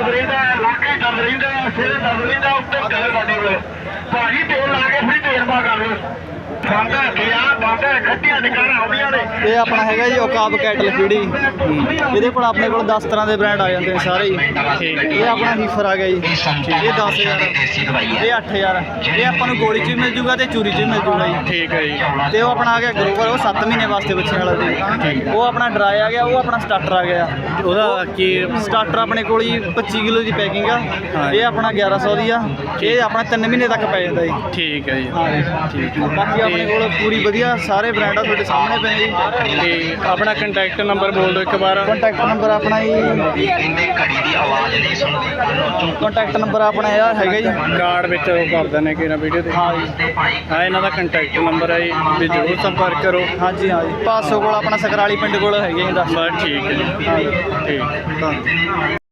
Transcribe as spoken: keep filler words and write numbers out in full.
ਦਰਦ ਰਹਿੰਦਾ, ਲੱਕ ਹੀ ਦਰਦ ਰਹਿੰਦਾ, ਸਿਰ ਦਰਦ ਰਹਿੰਦਾ, ਉੱਤੇ ਕਲਰ ਸਾਡੇ ਕੋਲ ਭਾਜੀ ਤੇਲ ਲਾ ਕੇ ਫਿਰ ਤੇਰਬਾ ਕਰ ਲਓ। ਖਾਂਦਾ ਗਿਆ ਬਾਂਦਾ ਖੱਟੀਆਂ ਨਿਕਾਰਾਂ ਆਉਂਦੀਆਂ ਨੇ। ਇਹ ਆਪਣਾ ਹੈਗਾ ਜੀ ਔਕਾਬ ਕੈਟਲ ਫੀਡੀ। ਇਹਦੇ ਕੋਲ ਆਪਣੇ ਕੋਲ ਦਸ ਤਰ੍ਹਾਂ ਦੇ ਬ੍ਰਾਂਡ ਆ ਜਾਂਦੇ ਨੇ ਸਾਰੇ ਹੀ। ਇਹ ਆਪਣਾ ਹੀਫਰ ਆ ਗਿਆ ਜੀ, ਇਹ ਦਸ ਹਜ਼ਾਰ, ਇਹ ਅੱਠ ਹਜ਼ਾਰ। ਇਹ ਆਪਾਂ ਨੂੰ ਗੋਲੀ 'ਚ ਵੀ ਮਿਲ ਜੂਗਾ ਤੇ ਚੂਰੀ 'ਚ ਵੀ ਮਿਲ ਜੂਗਾ ਜੀ। ਠੀਕ ਹੈ ਜੀ। ਤੇ ਉਹ ਆਪਣਾ ਆ ਗਿਆ ਗਰੋਵਰ, ਉਹ ਸੱਤ ਮਹੀਨੇ ਵਾਸਤੇ ਬੱਚਿਆਂ ਵਾਲਾ ਜੀ। ਉਹ ਆਪਣਾ ਡਰਾਈ ਆ ਗਿਆ, ਉਹ ਆਪਣਾ ਸਟਾਰਟਰ ਆ ਗਿਆ। ਉਹਦਾ ਕੀ ਸਟਾਰਟਰ ਆਪਣੇ ਕੋਲ ਜੀ ਪੱਚੀ ਕਿਲੋ ਦੀ ਪੈਕਿੰਗ ਆ। ਇਹ ਆਪਣਾ ਗਿਆਰਾਂ ਸੌ ਦੀ ਆ। ਇਹ ਆਪਣਾ ਤਿੰਨ ਮਹੀਨੇ ਤੱਕ ਪੈ ਜਾਂਦਾ ਜੀ। ਠੀਕ ਹੈ ਜੀ। ਹਾਂ ਠੀਕ ਹੈ। ਬਾਕੀ ਆਪਣੇ ਕੋਲ ਪੂਰੀ ਵਧੀਆ ਸਾਰੇ ਬ੍ਰਾਂਡ ਆ ਤੁਹਾਡੇ ਸਾਹਮਣੇ ਪਏ ਜੀ। ਤੇ ਆਪਣਾ ਕੰਟੈਕਟ ਨੰਬਰ ਬੋਲ ਦਿਓ ਇੱਕ ਵਾਰ। ਕੰਟੈਕਟ ਨੰਬਰ ਆਪਣਾ ਜੀ, ਕੰਟੈਕਟ ਨੰਬਰ ਆਪਣਾ ਇਹ ਹੈਗਾ ਜੀ, ਕਾਰਡ ਵਿੱਚ ਉਹ ਕਰ ਦਿੰਦੇ ਕਿ ਨਾ ਵੀਡੀਓ ਤੇ। ਹਾਂ ਜੀ, ਹਾਂ ਇਹਨਾਂ ਦਾ ਕੰਟੈਕਟ ਨੰਬਰ ਹੈ ਜੀ, ਵੀ ਜ਼ਰੂਰ ਸੰਪਰਕ ਕਰੋ। ਹਾਂਜੀ ਹਾਂ ਜੀ। ਪਾਸੋ ਕੋਲ ਆਪਣਾ ਸਕਰਾਲੀ ਪਿੰਡ ਕੋਲ ਹੈਗੇ ਜੀ ਦੱਸ। ਬਸ ਠੀਕ ਹੈ ਜੀ। ਹਾਂ ਜੀ। ਠੀਕ। ਧੰਨਵਾਦ।